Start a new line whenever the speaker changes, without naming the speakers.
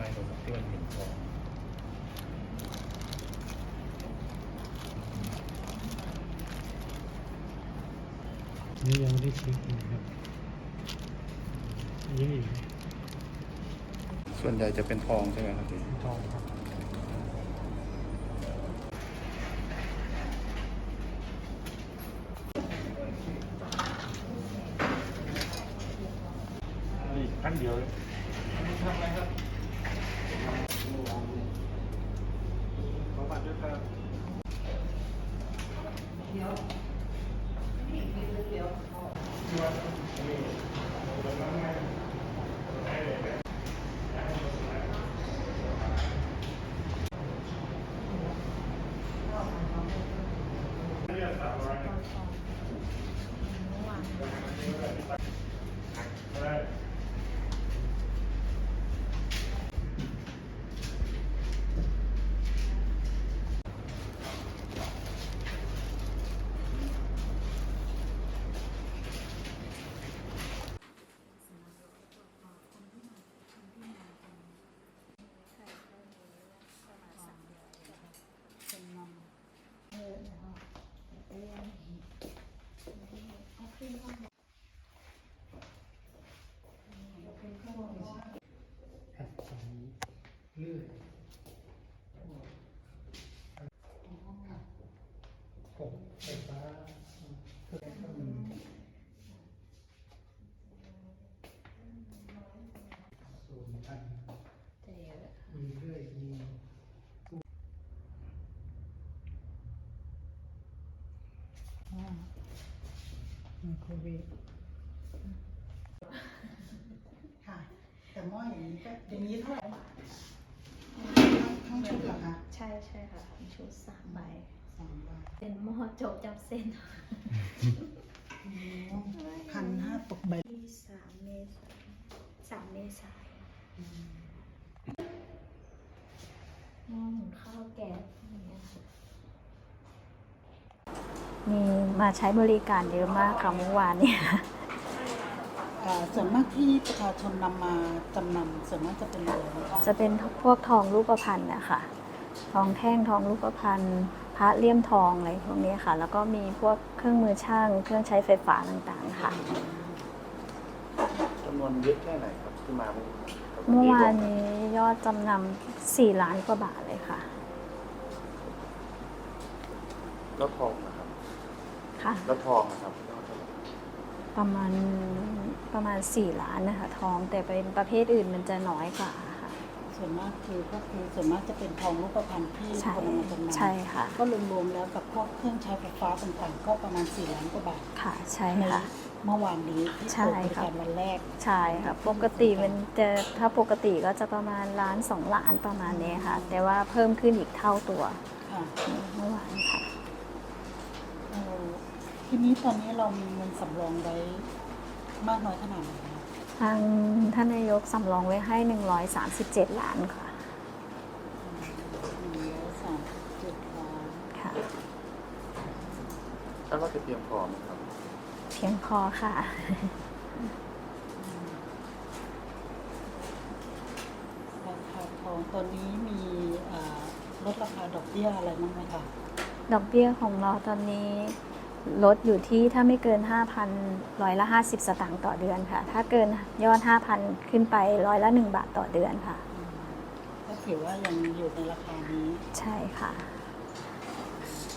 เลยครับที่มันเห็นทอง
นี่ยังไม่ได้เช็คนะครับยังอีก
ส่วนใหญ่จะเป็นทองใช่ไหมครับพี่
ทองครับนี่ขั้นเดียวเลยทำอะไรครับขอบัตรด้วยครับเดี๋ยวเลื่อยผมไฟฟ้าเครื่องก็มีส่วนพันมีเลื่อยมีไมโครเวฟ
ค่ะแต่หม้ออย่างนี้ก็อย่างนี้เท่าไหร่ทั้งชุดเหรอคะ
ใช่ค่ะชุด3 ใบ
2 ใบ
เป็นหม้อโจกจับเส้น
1,500 ตกใบ
ที่3 เมษายนหม้อหุงข้าวแก๊สอย่างเงี้ยค่ะมีมาใช้บริการเยอะมากค่ะเมื่อวานเนี่ย
ส่วนมากที่ประชาชนนำมาจำนำส่วนมากจะเป็นอะไรนะคะ
จะเป็นพวกทองรูปพรรณนะคะทองแท่งทองรูปพรรณพระเลี่ยมทองอะไรพวกนี้ค่ะ แล้วก็มีพวกเครื่องมือช่างเครื่องใช้ไฟฟ้าต่างๆค่ะ
จำนวนเยอะแค่ไหนครับที่มา
เมื่อวานนี้ยอดจำนำ4 ล้านกว่าบาทเลยค่ะ
แล้วทองนะครับ
ค่ะ
แล้วทองนะครับ
ประมาณ4 ล้านนะคะทองแต่เป็นประเภทอื่นมันจะน้อยกว่าค่ะ
ส่วนมากส่วนมากจะเป็นทองรูปพรรณที่
ใช่
คนนำมาจำนำ
ใช่ค่ะ
ก็รวมๆแล้วกับพวกเครื่องใช้ไฟฟ้าต่างๆก็ประมาณ4 ล้านกว่าบาท
ค่ะใช่
ใน
ค่ะ
เมื่อวานนี้ที่
ใช่
เปิดบริ
ค่ะ
การวันแรก
ใช่ค่ะปกติมันจะถ้าปกติก็จะประมาณ1 ล้าน 2 ล้านประมาณนี้ค่ะ แต่ว่าเพิ่มขึ้นอีกเท่าตัว
ค่ะ
เมื่อวานค่ะ
ทีนี้ตอนนี้เรามีเงินสำรองไว้มากน้อยขนาดไหนคะ
ทางท่านนายกสำรองไว้ให้137 ล้านค่ะ
137 ล้าน
ค่ะ
แล้วเราจะเตรียมพร้อมไหมครับ
เพียงพอค่ะ
ราคาทองตอนนี้มีลดราคาดอกเบี้ยอะไรบ้างไหมคะ
ดอกเบี้ยของเราตอนนี้ลดอยู่ที่ถ้าไม่เกิน 5,000 50 สตางค์ต่อเดือนค่ะ ถ้าเกินยอด 5,000 ขึ้นไป1 บาทต่อเดือนค่ะ
ก็ถือว่ายังอยู่ในราคานี้
ใช่ค่ะ